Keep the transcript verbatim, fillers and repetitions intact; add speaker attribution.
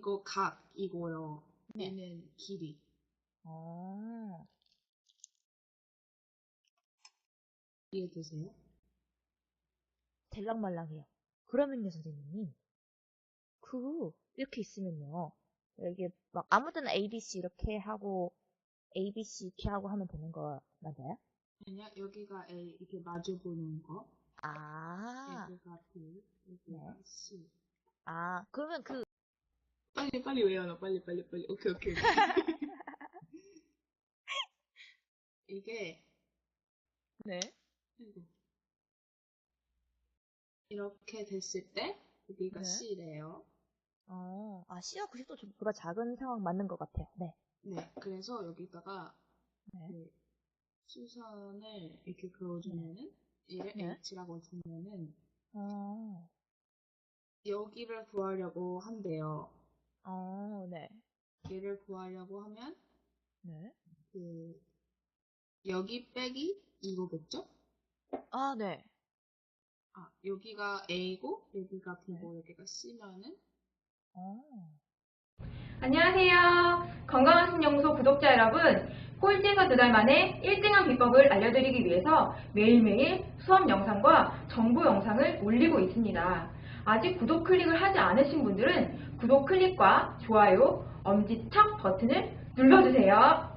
Speaker 1: 이거 각이고요.
Speaker 2: 네.
Speaker 1: 얘는 길이.
Speaker 2: 어,
Speaker 1: 이해되세요?
Speaker 2: 될랑말랑해요. 그러면요, 선생님. 그, 이렇게 있으면요. 이게 막 아무 데나 A, B, C 이렇게 하고, A, B, C 이렇게 하고 하면 되는 거 맞아요?
Speaker 1: 아니야, 여기가 A, 이렇게 마주 보는 거.
Speaker 2: 아,
Speaker 1: 여기가 B, 여기가
Speaker 2: 네.
Speaker 1: C.
Speaker 2: 아, 그러면 그,
Speaker 1: 빨리, 빨리 외워놔. 빨리, 빨리, 빨리. 오케이, 오케이, 오케이. 이게,
Speaker 2: 네.
Speaker 1: 아이고. 이렇게 됐을 때, 여기가
Speaker 2: 네.
Speaker 1: C래요.
Speaker 2: 어, 아, C와 구십도 보다 작은 상황 맞는 것 같아요. 네.
Speaker 1: 네, 그래서 여기다가
Speaker 2: 네.
Speaker 1: 그 수선을 이렇게
Speaker 2: 네.
Speaker 1: 그어주면은, 얘를
Speaker 2: 네.
Speaker 1: H라고 주면은,
Speaker 2: 어,
Speaker 1: 여기를 구하려고 한대요.
Speaker 2: 어, 네.
Speaker 1: 얘를 구하려고 하면,
Speaker 2: 네.
Speaker 1: 그, 여기 빼기 이거겠죠?
Speaker 2: 아, 네.
Speaker 1: 아, 여기가 A고, 여기가
Speaker 2: 네.
Speaker 1: B고, 여기가 C면은,
Speaker 2: 어.
Speaker 3: 안녕하세요. 건강한 신연구소 구독자 여러분, 꼴찌에서 두 달 만에 일 등한 비법을 알려드리기 위해서 매일매일 수업 영상과 정보 영상을 올리고 있습니다. 아직 구독 클릭을 하지 않으신 분들은 구독 클릭과 좋아요, 엄지척 버튼을 눌러주세요.